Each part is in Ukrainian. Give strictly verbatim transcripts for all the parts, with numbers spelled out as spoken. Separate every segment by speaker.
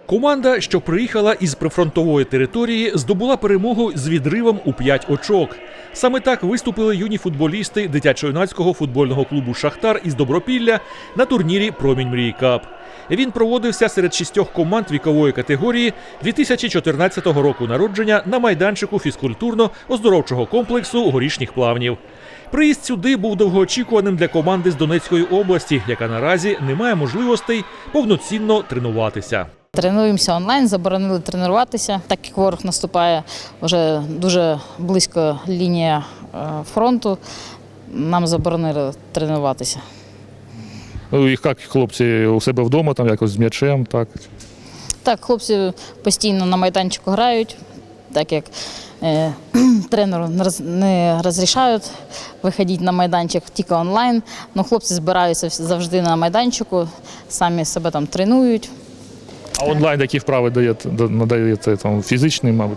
Speaker 1: Команда, що приїхала із прифронтової території, здобула перемогу з відривом у п'ять очок. Саме так виступили юні футболісти дитячо-юнацького футбольного клубу «Шахтар» із Добропілля на турнірі «Промінь мрії Кап». Він проводився серед шістьох команд вікової категорії дві тисячі чотирнадцятого року народження на майданчику фізкультурно-оздоровчого комплексу «Горішніх плавнів». Приїзд сюди був довгоочікуваним для команди з Донецької області, яка наразі не має можливостей повноцінно тренуватися.
Speaker 2: Тренуємося онлайн, заборонили тренуватися, так як ворог наступає вже дуже близько лінія фронту, нам заборонили тренуватися.
Speaker 3: Ну, і як хлопці у себе вдома, там якось з м'ячем, так?
Speaker 2: Так, хлопці постійно на майданчику грають, так як е, тренеру не розрішають виходити на майданчик тільки онлайн, але хлопці збираються завжди на майданчику, самі себе там тренують.
Speaker 3: А онлайн які вправи даєте, надаєте, там, фізичний, мабуть?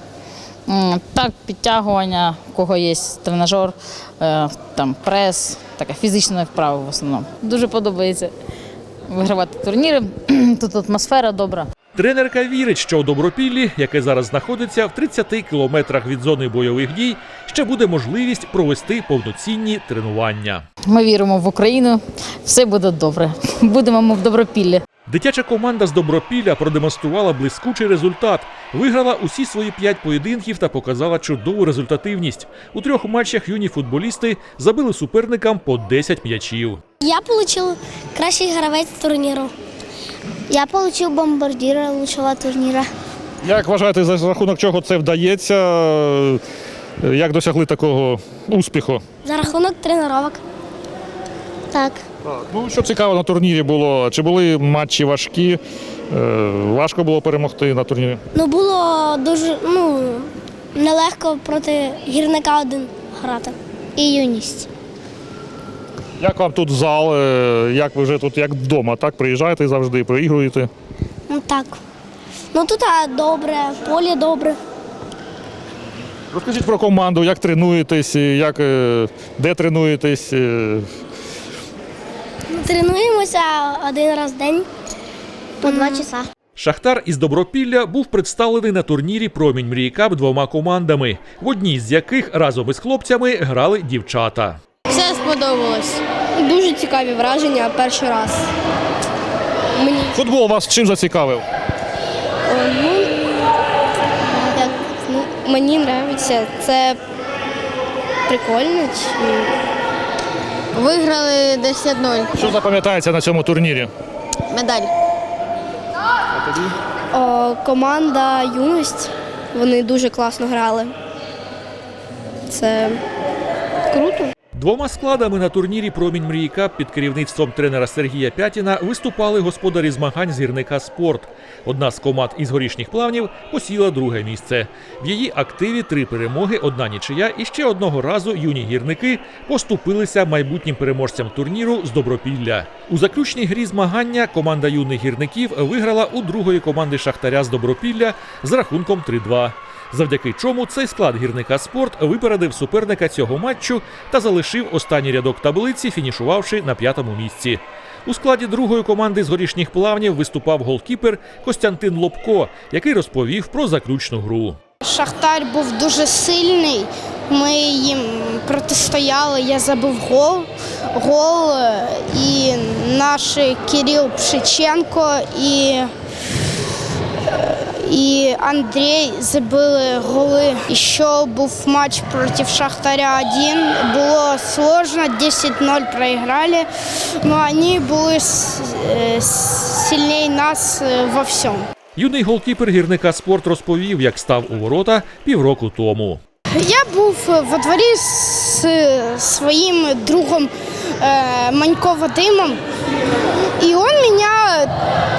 Speaker 2: Так, підтягування, у кого є тренажер, там прес, така фізична вправа в основному. Дуже подобається вигравати турніри, тут атмосфера добра.
Speaker 1: Тренерка вірить, що у Добропіллі, яке зараз знаходиться в тридцяти кілометрах від зони бойових дій, ще буде можливість провести повноцінні тренування.
Speaker 2: Ми віримо в Україну, все буде добре. Будемо ми в Добропіллі.
Speaker 1: Дитяча команда з Добропілля продемонструвала блискучий результат. Виграла усі свої п'ять поєдинків та показала чудову результативність. У трьох матчах юні футболісти забили суперникам по десять м'ячів.
Speaker 4: Я отримав кращий гравець турніру. Я отримав бомбардира лучшого турніру.
Speaker 3: Як вважаєте, за рахунок чого це вдається? Як досягли такого успіху?
Speaker 4: За рахунок тренувань. Так.
Speaker 3: Ну, що цікаво на турнірі було? Чи були матчі важкі? Важко було перемогти на турнірі?
Speaker 4: Ну, було дуже ну, нелегко проти гірника один грати. І юність.
Speaker 3: Як вам тут зал? Як ви вже тут, як вдома, так? Приїжджаєте завжди, проігруєте?
Speaker 4: Ну так. Ну тут а, добре, поле добре.
Speaker 3: Розкажіть про команду, як тренуєтесь, як, де тренуєтесь?
Speaker 4: Тренуємося один раз в день по два часа.
Speaker 1: «Шахтар» із Добропілля був представлений на турнірі «Промінь мрії Кап» двома командами, в одній з яких разом із хлопцями грали дівчата.
Speaker 5: Все сподобалось. Дуже цікаві враження перший раз. Мені,
Speaker 3: Футбол вас чим зацікавив?
Speaker 5: ну, як, ну, мені подобається. Це прикольно. Виграли десять нуль.
Speaker 3: Що запам'ятається на цьому турнірі?
Speaker 5: Медаль. О, команда «Юність». Вони дуже класно грали. Це круто.
Speaker 1: Двома складами на турнірі «Промінь мрії Кап» під керівництвом тренера Сергія Пятіна виступали господарі змагань з гірника «Спорт». Одна з команд із Горішніх Плавнів посіла друге місце. В її активі три перемоги, одна нічия і ще одного разу юні гірники поступилися майбутнім переможцям турніру з Добропілля. У заключній грі змагання команда юних гірників виграла у другої команди «Шахтаря» з Добропілля з рахунком три-два. Завдяки чому цей склад гірника «Спорт» випередив суперника цього матчу та залишив останній рядок таблиці, фінішувавши на п'ятому місці. У складі другої команди з Горішніх Плавнів виступав голкіпер Костянтин Лобко, який розповів про заключну гру.
Speaker 6: «Шахтар» був дуже сильний, ми їм протистояли, я забив гол, гол і наш Кирил Пшиченко і І Андрій забили голи. І ще був матч проти «Шахтаря» один. Було складно, десять ноль проіграли, але вони були сильніші нас во всьому.
Speaker 1: Юний голкіпер гірника «Спорт» розповів, як став у ворота півроку тому.
Speaker 6: Я був во дворі з своїм другом Манько Вадимом, і він мене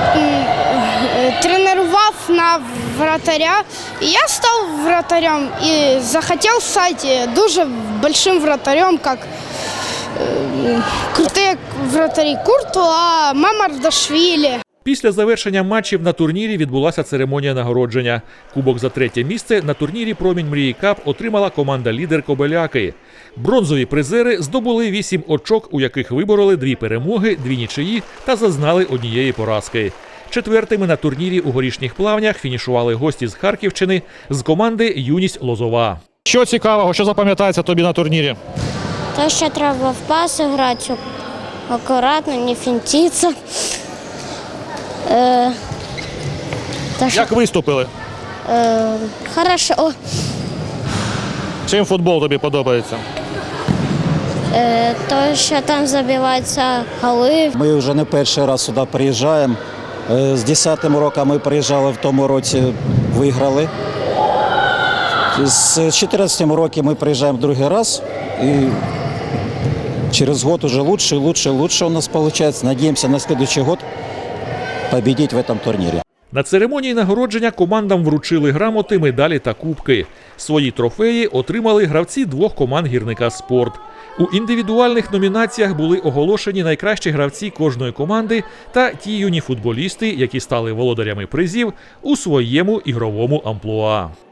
Speaker 6: тренував на вратаря, і я став вратарем і захотів стати дуже великим вратарем, як э, круті вратарі Куртуа, Мамардашвілі.
Speaker 1: Після завершення матчів на турнірі відбулася церемонія нагородження. Кубок за третє місце на турнірі «Промінь мрії Кап» отримала команда-лідер «Кобеляки». Бронзові призери здобули вісім очок, у яких вибороли дві перемоги, дві нічиї та зазнали однієї поразки. Четвертими на турнірі у горішніх плавнях фінішували гості з Харківщини з команди «Юність Лозова».
Speaker 3: Що цікавого, що запам'ятається тобі на турнірі?
Speaker 4: То, що треба в паси грати, акуратно, не фінтитися. Е, то, що,
Speaker 3: Як виступили?
Speaker 4: е, хорошо.
Speaker 3: Чим футбол тобі подобається?
Speaker 4: Е, то, що там забиваються голи.
Speaker 7: Ми вже не перший раз сюди приїжджаємо. Е, З десятим роком ми приїжджали, в тому році виграли. З чотирнадцятим роком ми приїжджаємо другий раз. І через год уже лучше, лучше, лучше у нас виходить. Надіємося на следующий год победить в этом турнірі.
Speaker 1: На церемонії нагородження командам вручили грамоти, медалі та кубки. Свої трофеї отримали гравці двох команд «Гірника Спорт». У індивідуальних номінаціях були оголошені найкращі гравці кожної команди та ті юні футболісти, які стали володарями призів у своєму ігровому амплуа.